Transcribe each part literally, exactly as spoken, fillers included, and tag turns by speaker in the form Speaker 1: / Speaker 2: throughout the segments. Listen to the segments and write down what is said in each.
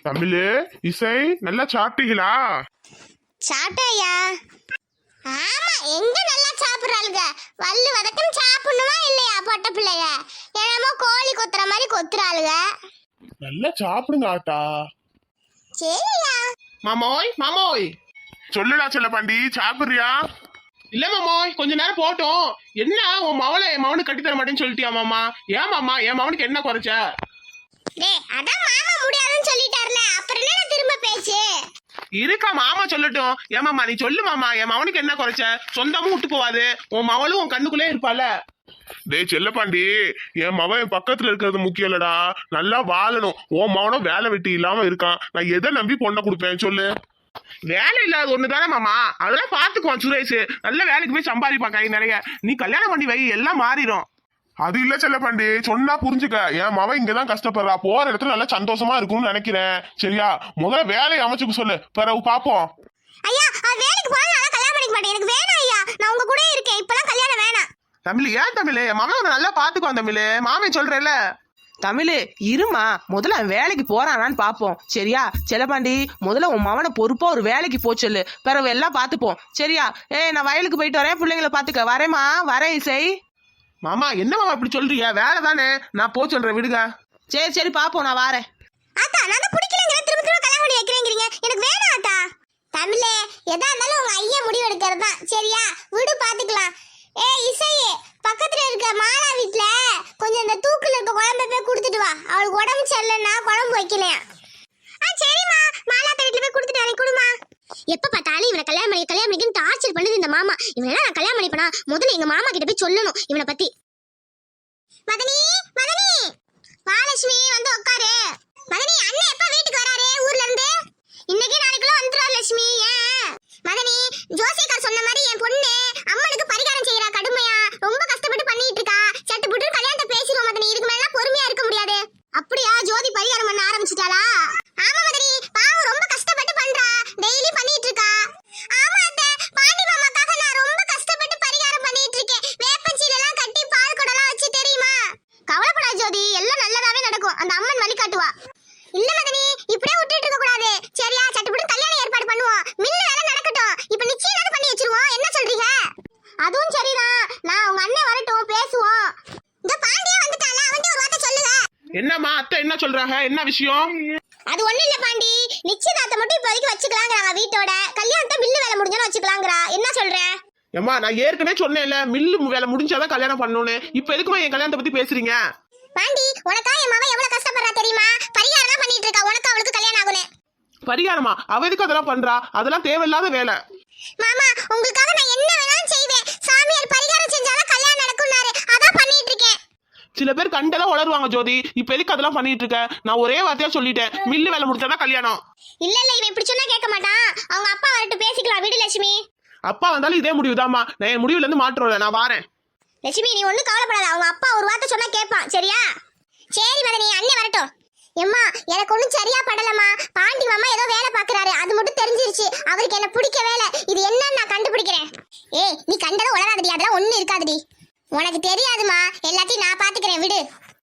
Speaker 1: தமிழு, இசை, நல்லா சாப்பிட்டீங்களா?
Speaker 2: சாப்பிட்டாயா? ஆமா, எங்க நல்லா சாப்பிடுறாளுங்க. வல்லு வதக்கம் சாப்பிடணுமா இல்லையா? பொட்ட பிள்ளைய என்னமோ கோழி கொத்துற மாதிரி கொத்துறாளுங்க.
Speaker 1: நல்லா சாப்பிடுங்க ஆட்டா.
Speaker 2: சரியா
Speaker 3: மாமோய் மாமோய்.
Speaker 1: சொல்லுடா செல்லப்பாண்டி, சாப்பிடுறியா?
Speaker 3: இல்ல மாமோய், கொஞ்ச நேரம் போட்டோம். என்ன உன் மவளை என் மவனுக்கு கட்டி தர மாட்டேன்னு சொல்லிட்டியா மாமா? ஏன் மாமா, என் மவனுக்கு என்ன குறைச்ச?
Speaker 2: டேய், அதான் மாமா முடியாதுன்னு சொல்லிட்டார்ல, அப்புறம் என்ன திரும்ப பேச்சு?
Speaker 3: இருக்கா மாமா சொல்லட்டும். ஏன் மாமா நீ சொல்லு மாமா, என் மவனுக்கு என்ன குறைச்ச? சொந்தமும் விட்டு போவாது, உன் மவளும் உன் கண்ணுக்குள்ளே இருப்பால.
Speaker 1: டேய் செல்லப்பாண்டி, என் மவன் என் பக்கத்துல இருக்கிறது முக்கியம் இல்லடா, நல்லா வாழணும். உன் மவனும் வேலை வெட்டி இல்லாம இருக்கான். நான் எதை நம்பி பொண்ணை கொடுப்பேன் சொல்லு?
Speaker 3: வேலை இல்லாத ஒண்ணுதானே மாமா, அதெல்லாம் பாத்துக்குவான் சுரேஷ். நல்ல வேலைக்கு போய் சம்பாதிப்பான் கை நிறைய. நீ கல்யாணம் பண்ணி வை, எல்லாம் மாறிடும்.
Speaker 1: அது இல்ல செல்லப்பாண்டி, சொன்னா புரிஞ்சுக்க. என் மவன் இங்கதான் கஷ்டப்படுறா, போற இடத்துல நல்லா சந்தோஷமா இருக்கும்னு நினைக்கிறேன். சரியா? முதல்ல வேலையை அமைச்சுக்க சொல்லு, பிறகு பாப்போம்.
Speaker 2: ஐயா, அவ வேலைக்கு போனா நான் கல்யாணம் பண்ணிக்க மாட்டேன். எனக்கு வேணாம் ஐயா, நான் உங்க கூட இருக்கேன். இப்பலாம் கல்யாணம் வேணாம்.
Speaker 3: தமிழ், ஏன் தமிழ்? என் மகன் உன்னை நல்லா பாத்துக்குவான் தமிழ். மாமே சொல்றேன்ல.
Speaker 4: தமிழ் இருமா, முதல்ல அவன் வேலைக்கு போறானான்னு பாப்போம். சரியா செல்லப்பாண்டி? முதல்ல உன் மவனை பொறுப்பா ஒரு வேலைக்கு போச்சொல்லு, பிறகு எல்லாம் பாத்துப்போம். சரியா? ஏய், நான் வயலுக்கு போயிட்டு வரேன், பிள்ளைங்களை பாத்துக்க. வரேம்மா, வரேன் இசை.
Speaker 3: மாமா என்ன மாமா இப்படி சொல்றீங்க? வேலை தானே, நான் போ சொல்றேன், விடுங்க.
Speaker 4: சரி சரி பாப்போம், நான் வரேன்.
Speaker 2: ஆத்தா, நான் தான் பிடிக்கலங்கிற, திரும்ப திரும்ப கல்யாணம் பண்ணி வைக்கிறேங்கிறீங்க. எனக்கு வேணாம் ஆத்தா. தமிழே, எதா இருந்தாலும் உங்க ஐயா முடிவு எடுக்கிறது தான். சரியா? விடு, பாத்துக்கலாம். ஏ இசையே, பக்கத்துல இருக்க மாலா வீட்டுல கொஞ்சம் இந்த தூக்குல இருக்க குழம்பு போய் கொடுத்துட்டு வா. அவளுக்கு உடம்பு சரியில்லைன்னா குழம்பு வைக்கலையா? ஆ சரிம்மா, மாலா வீட்டுல போய் கொடுத்துட்டு வரேன். குடுமா. எப்ப பார்த்தாலும் இவனை கல்யாணம் பண்ணி கல்யாணம் பண்ணிக்கன்னு டார்ச்சர் பண்ணுது இந்த மாமா. இவனை நான் கல்யாணம் பண்ணிப்பனா, முதல்ல எங்க மாமா கிட்ட போய் சொல்லணும் இவனை பத்தி. மதனி, மதனி, மகாலட்சுமி வந்து உட்காரு. மதனி, அண்ணன் எப்ப வீட்டுக்கு வராரு ஊர்ல இருந்து? இன்னைக்கு நாளைக்குள்ள வந்துருவாரு லட்சுமி. ஏன் மதனி, ஜோசியக்கார் சொன்ன மாதிரி என் பொண்ணு அம்மனுக்கு பரிகாரம் செய்யறா கடுமையா, ரொம்ப கஷ்டப்பட்டு பண்ணிட்டு இருக்கா. சட்டு புட்டு கல்யாணத்தை பேசிடுவோம் மதனி, இதுக்கு மேல பொறுமையா இருக்க முடியாது. அப்படியா? ஜோதி பரிகாரம் பண்ண ஆரம்பிச்சிட்டாளா? ஆமா மதனி, பாவம் ரொம்ப கஷ்டப்பட்டு பண்றா, டெய்லி பண்ணிட்டு இருக்கா. ஆமா அத்தை, பாண்டி மாமாக்காக நான் ரொம்ப கஷ்டப்பட்டு பரிகாரம் பண்ணிட்டு இருக்கேன். வேப்பஞ்சீல எல்லாம் கட்டி பால் குடலாம் வச்சு, தெரியுமா? கவலைப்படாத ஜோதி, எல்லாம் நல்லதாவே நடக்கும். அந்த அம்மன் வழி காட்டுவா. இல்ல மதனி, இப்படியே விட்டுட்டு இருக்க கூடாது. சரியா? சட்டுப்பட்டு கல்யாணம் ஏற்பாடு பண்ணுவோம். மின்ன வேலை நடக்கட்டும். இப்ப நிச்சயம் பண்ணி வச்சிருவோம். என்ன சொல்றீங்க? அதுவும் சரிதான். நான் உங்க அண்ணன் வரட்டும், பேசுவோம். இந்த பாண்டியே வந்துட்டால, அவன்கிட்ட ஒரு வார்த்தை சொல்லுங்க.
Speaker 3: என்னம்மா அத்தை என்ன சொல்றாங்க? என்ன விஷயம்?
Speaker 2: அது ஒண்ணு இல்ல பாண்டி, நிச்சயதார்த்தம் மட்டும் இப்போதைக்கு வச்சுக்கலாங்கிறாங்க வீட்டோட. கல்யாணத்தை மில்லு வேலை முடிஞ்சாலும் வச்சுக்கலாங்கிறா. என்ன சொல்ற?
Speaker 3: ஏம்மா, நான் ஏற்கனவே சொன்னேன்ல, மில்லு வேலை முடிஞ்சாதான் கல்யாணம் பண்ணணும்னு. இப்ப எதுக்குமா என் கல்யாணத்தை பத்தி பேசுறீங்க?
Speaker 2: பாண்டி, உனக்கா என் மாமா எவ்வளவு கஷ்டப்படுறா தெரியுமா? பரிகாரம் தான் பண்ணிட்டு இருக்கா, உனக்கு அவளுக்கு கல்யாணம் ஆகுனே.
Speaker 3: பரிகாரமா? அவ எதுக்கு அதெல்லாம் பண்றா? அதெல்லாம் தேவையில்லாத வேலை.
Speaker 2: மாமா, உங்களுக்காக நான் என்ன வேணாலும் செய்வேன். சாமியார் பரிகாரம் செஞ்சாலும் கல்யாணம் நடக்கும்னாரு, அதான் பண்ணிட்டு இருக்கேன்.
Speaker 3: சில பேர் கண்டெல்லாம் வளருவாங்க ஜோதி. இப்ப எதுக்கு அதெல்லாம் பண்ணிட்டு இருக்க? நான் ஒரே வார்த்தையா சொல்லிட்டேன், மில்லு வேலை முடிச்சாதான் கல்யாணம்.
Speaker 2: இல்ல இல்ல, இவன் இப்படி சொன்னா கேட்க மாட்டான். அவங்க அப்பா வரட்டும், பேசிக்கலாம். விடு லட்சுமி.
Speaker 3: அப்பா வந்தாலும் இதே முடிவுதாம்மா. நான் என் முடிவுல இருந்து மாற்றல, நான் வாரேன்.
Speaker 2: லட்சுமி, நீ ஒண்ணும் கவலைப்படாத. அவங்க அப்பா ஒரு வார்த்தை சொன்னா கேட்பான். சரியா? சரி மதனி, அண்ணே வரட்டும். எம்மா, எனக்கு ஒண்ணும் சரியா படலம்மா. பாண்டி மாமா ஏதோ வேலை பாக்குறாரு, அது மட்டும் தெரிஞ்சிருச்சு. அவருக்கு என்ன பிடிக்கவே இல்ல. இது என்னன்னு நான் கண்டுபிடிக்கிறேன். ஏய், நீ கண்டதும் உளராதடி, அதெல்லாம் ஒண்ணு இருக்காதடி. உனக்கு தெரியாதுமா, எல்லாத்தையும் நான் பாத்துக்கிறேன், விடு.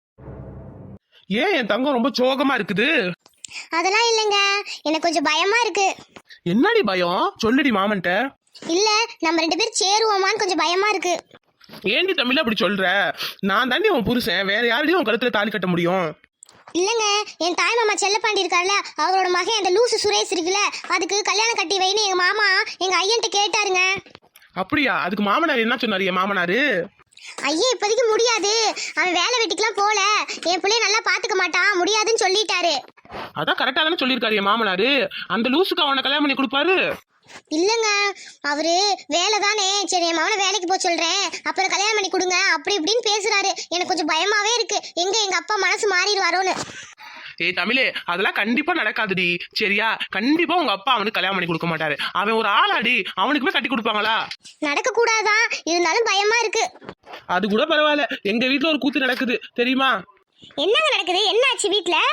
Speaker 3: ஏன் என் தங்கம் ரொம்ப சோகமா இருக்குது?
Speaker 2: அதெல்லாம் இல்லைங்க, எனக்கு கொஞ்சம் பயமா இருக்கு.
Speaker 3: என்னடி பயம்? சொல்லுடி மாமன்ட்ட.
Speaker 2: இல்ல, நம்ம ரெண்டு பேரும் சேருவோமான்னு கொஞ்சம் பயமா இருக்கு.
Speaker 3: ஏண்டி தமிழ் அப்படி சொல்ற? நான் தாண்டி உன் புருஷன், வேற யாரையும் உன் கழுத்துல தாலி கட்ட முடியும்?
Speaker 2: இல்லங்க, என் தாய் மாமா செல்லப்பாண்டி இருக்கார்ல, அவரோட மகன் அந்த லூசு சுரேஷ் இருக்குல்ல, அதுக்கு கல்யாணம் கட்டி வைன்னு எங்க மாமா எங்க ஐயன்ட்ட கேட்டாருங்க.
Speaker 3: அப்படியா? அதுக்கு மாமனார் என்ன சொன்னாரு? என் மாமனாரு
Speaker 2: ஐயா இப்போதைக்கு முடியாது, அவன் வேலை வெட்டிக்கெல்லாம் போல, என் பிள்ளைய நல்லா பாத்துக்க மாட்டான், முடியாதுன்னு சொல்லிட்டாரு.
Speaker 3: அதான் கரெக்டா தானே சொல்லியிருக்காரு என் மாமனாரு. அந்த லூசுக்கு அவனை கல்யாணம் பண்ணி கொடுப்பாரு.
Speaker 2: இல்லங்க, அவரு வேலை தானே, சரி என் மகனை வேலைக்கு போக சொல்றேன், அப்புறம் கல்யாணம் பண்ணி கொடுங்க அப்படி இப்படின்னு பேசுறாரு. எனக்கு கொஞ்சம் பயமாவே இருக்கு, எங்க எங்க அப்பா மனசு மாறிடுவாரோன்னு.
Speaker 3: ஏய் தமிழே, அதெல்லாம் கண்டிப்பா நடக்காதுடி. சரியா? கண்டிப்பா உங்க அப்பா அவனுக்கு கல்யாணம் பண்ணி கொடுக்க மாட்டாரு. அவன் ஒரு ஆளாடி, அவனுக்கு போய் கட்டி கொடுப்பாங்களா?
Speaker 2: நடக்க கூடாதான், இருந்தாலும் பயமா இருக்கு.
Speaker 3: அது கூட பரவாயில்ல, எங்க வீட்டுல ஒரு கூத்து நடக்குது தெரியுமா?
Speaker 2: என்னங்க நடக்குது? என்ன ஆச்சு வீட்டுல?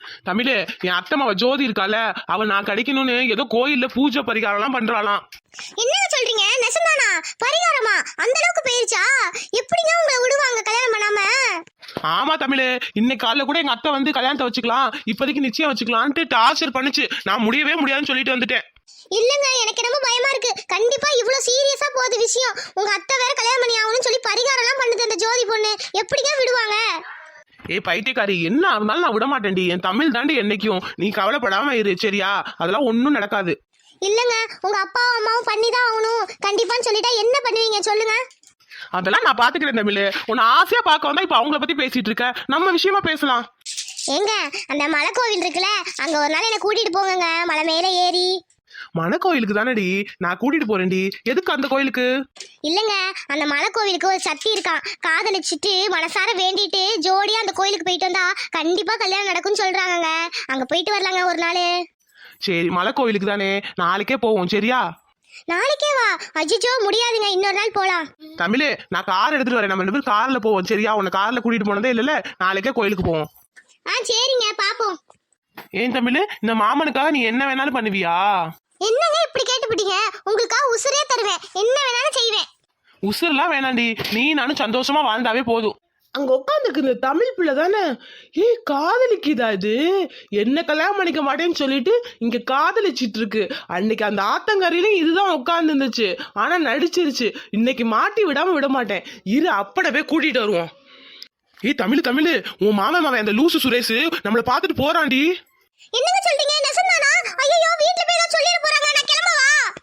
Speaker 3: தமிழே, என் அத்தம்மாவ ஜோதி இருக்கால, அவ நான் கிடைக்கணும்னு ஏதோ கோயில்ல பூஜை பரிகாரம் எல்லாம் பண்றாளாம்.
Speaker 2: என்னங்க சொல்றீங்க? நெசந்தானா? பரிகாரமா? அந்த அளவுக்கு போயிருச்சா? எப்படிங்க உங்களை விடுவாங்க கல்யாணம் பண்ணாம?
Speaker 3: ஆமா தமிழே, இன்னைக்கு காலைல கூட எங்க அத்தை வந்து கல்யாணத்தை வச்சுக்கலாம், இப்போதைக்கு நிச்சயம் வச்சுக்கலான்ட்டு டார்ச்சர் பண்ணுச்சு. நான் முடியவே முடியாதுன்னு சொல்லிட்டு வந்துட்டேன்.
Speaker 2: இல்லங்க, எனக்கு ரொம்ப பயமா இருக்கு. கண்டிப்பா இவ்வளவு சீரியஸா போகுது விஷயம். உங்க அத்தை வேற கல்யாணம் பண்ணி ஆகணும்னு சொல்லி பரிகாரம் எல்லாம் பண்ணுது அந்த ஜோதி பொண்ணு. எப்படிங்க விடுவாங்க?
Speaker 3: ஏய் பைத்தியக்காரி, என்ன இருந்தாலும் நான் விட மாட்டேன்டி. என் தமிழ் தாண்டி என்னைக்கும். நீ கவலைப்படாம இரு சரியா? அதெல்லாம் ஒன்றும் நடக்காது.
Speaker 2: இல்லங்க, உங்க அப்பாவும் அம்மாவும் பண்ணிதான் ஆகணும் கண்டிப்பான்னு சொல்லிட்டா என்ன பண்ணுவீங்க சொல்லுங்க?
Speaker 3: அதெல்லாம் நான் பாத்துக்கிறேன் தமிழ். உன்னை ஆசையா பார்க்க வந்தா இப்ப அவங்கள பத்தி பேசிட்டு இருக்க. நம்ம விஷயமா பேசலாம்.
Speaker 2: ஏங்க, அந்த மலை கோவில் இருக்குல்ல, அங்க ஒரு நாள் என்ன கூட்டிட்டு போங்கங்க, மலை மேல ஏறி.
Speaker 3: மன கோயிலுக்கு தானடி நான் கூட்டிட்டு போறேன்டி. எதுக்கு அந்த கோயிலுக்கு?
Speaker 2: இல்லங்க, அந்த மலை கோவிலுக்கு ஒரு சக்தி இருக்கான். காதலிச்சுட்டு மனசார வேண்டிட்டு ஜோடியா அந்த கோயிலுக்கு போயிட்டு வந்தா கண்டிப்பா கல்யாணம் நடக்கும்னு சொல்றாங்கங்க. அங்க போயிட்டு வரலாங்க ஒரு நாள்.
Speaker 3: சரி, மலை கோயிலுக்கு தானே, நாளைக்கே போவோம் சரியா?
Speaker 2: நாளைக்கே வா? அஜிஜோ முடியாதுங்க, இன்னொரு நாள் போலாம்.
Speaker 3: தமிழே, நான் கார் எடுத்துட்டு வரேன். நம்ம ரெண்டு பேரும் கார்ல போவோம் சரியா? உன்னை கார்ல கூட்டிட்டு போனதே இல்லைல்ல, நாளைக்கே கோயிலுக்கு போவோம்.
Speaker 2: ஆ சரிங்க, பாப்போம்.
Speaker 3: ஏன் தமிழ், இந்த மாமனுக்காக நீ என்ன வேணாலும் பண்ணுவியா?
Speaker 2: என்னங்க இப்படி கேட்டுப்பிட்டீங்க? உங்களுக்காக உசுரே தருவேன், என்ன வேணாலும் செய்வேன்.
Speaker 3: உசுரெல்லாம் வேணாண்டி, நீ நானும் சந்தோஷமா வாழ்ந்தாவே போதும்.
Speaker 4: அங்க உட்காந்துருக்கு இந்த தமிழ் பிள்ளை தானே? ஏய், காதலிக்குதா இது? என்ன கல்யாணம் பண்ணிக்க மாட்டேன்னு சொல்லிட்டு இங்க காதலிச்சிட்டு இருக்கு. அன்னைக்கு அந்த ஆத்தங்கரையிலும் இதுதான் உட்கார்ந்து இருந்துச்சு, ஆனா நடிச்சிருச்சு. இன்னைக்கு மாட்டி விடாம விட மாட்டேன். இரு, அப்படவே கூட்டிட்டு வருவோம்.
Speaker 3: ஏய் தமிழ் தமிழ், உன் மாமன் மாவன் அந்த லூசு சுரேஷ் நம்மள பாத்துட்டு போறான்டி.
Speaker 2: என்னங்க சொல்றீங்க? நெசந்தானா? ஐயோ, வீட்ல போய் ஏதாவது சொல்லிட போறாங்க, நான் கிளம்பவா?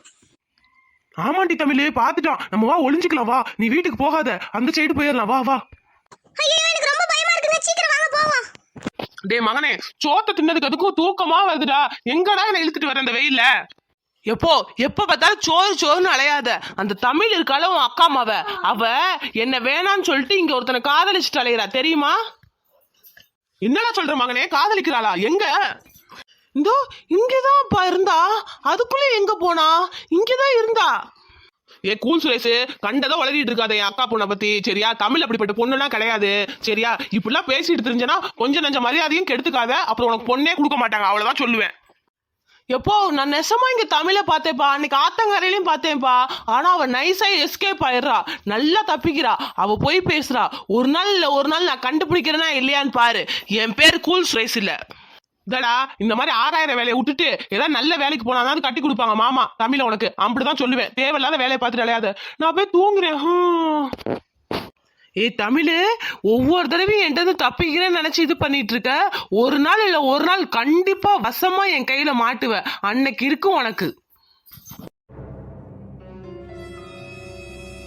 Speaker 3: ஆமாண்டி தமிழ், பாத்துட்டான். நம்ம வா ஒளிஞ்சுக்கலாம், வா. நீ வீட்டுக்கு போகாத, அந்த சைடு போயிடலாம், வா வா.
Speaker 2: ஐயோ, எனக்கு ரொம்ப பயமா இருக்குங்க, சீக்கிரம் வாங்க போவோம்.
Speaker 3: டே மகனே, சோத்த தின்னதுக்கு அதுக்கும் தூக்கமா வருதுடா. எங்கடா என்ன இழுத்துட்டு வர இந்த வெயில்ல?
Speaker 4: எப்போ எப்ப பார்த்தாலும் சோறு சோறுன்னு அலையாத. அந்த தமிழ் இருக்கால உன் அக்கா மாவ, அவ என்ன வேணான்னு சொல்லிட்டு இங்க ஒருத்தனை காதலிச்சுட்டு அலையிறா தெரியுமா?
Speaker 3: என்னடா சொல்ற மகனே, காதலிக்கிறாளா? எங்க?
Speaker 4: இந்தோ இங்கதான்ப்பா இருந்தா. அதுக்குள்ள எங்க போனா? இங்கதான் இருந்தா.
Speaker 3: ஏ கூல் சுரேஷ், கண்டதை வளரிட்டு இருக்காத என் அக்கா பொண்ணை பத்தி சரியா? தமிழ் அப்படிப்பட்ட பொண்ணுலாம் கிடையாது சரியா? இப்படிலாம் பேசிட்டு தெரிஞ்சனா கொஞ்சம் நஞ்ச மரியாதையும் கெடுத்துக்காத, அப்புறம் உனக்கு பொண்ணே கொடுக்க மாட்டாங்க, அவ்வளவுதான் சொல்லுவேன்.
Speaker 4: எப்போ நான் நெசமா இங்க தமிழ பார்த்தேப்பா, அன்னைக்கு ஆத்தங்கரையிலையும் பார்த்தேன்ப்பா. ஆனா அவ நைஸா எஸ்கேப் ஆயிடுறா, நல்லா தப்பிக்கிறா. அவ போய் பேசுறா. ஒரு நாள் இல்ல ஒரு நாள் நான் கண்டுபிடிக்கிறேன்னா இல்லையான்னு பாரு. என் பேர் கூல் சுரேஷ் இல்ல.
Speaker 3: இதடா, இந்த மாதிரி ஆறாயிரம் வேலையை விட்டுட்டு ஏதாவது நல்ல வேலைக்கு போனாதான் கட்டி கொடுப்பாங்க மாமா தமிழ உனக்கு. அப்படிதான் சொல்லுவேன். தேவையில்லாத வேலையை பார்த்துட்டு அலையாத. நான் போய் தூங்குறேன்.
Speaker 4: ஏ தமிழ், ஒவ்வொரு தடவையும் என்கிட்ட தப்பிக்கிறேன்னு நினைச்சு இது பண்ணிட்டு இருக்க. ஒரு நாள் இல்ல ஒரு நாள் கண்டிப்பா வசமா என் கையில மாட்டுவ. அன்னைக்கு இருக்கும் உனக்கு.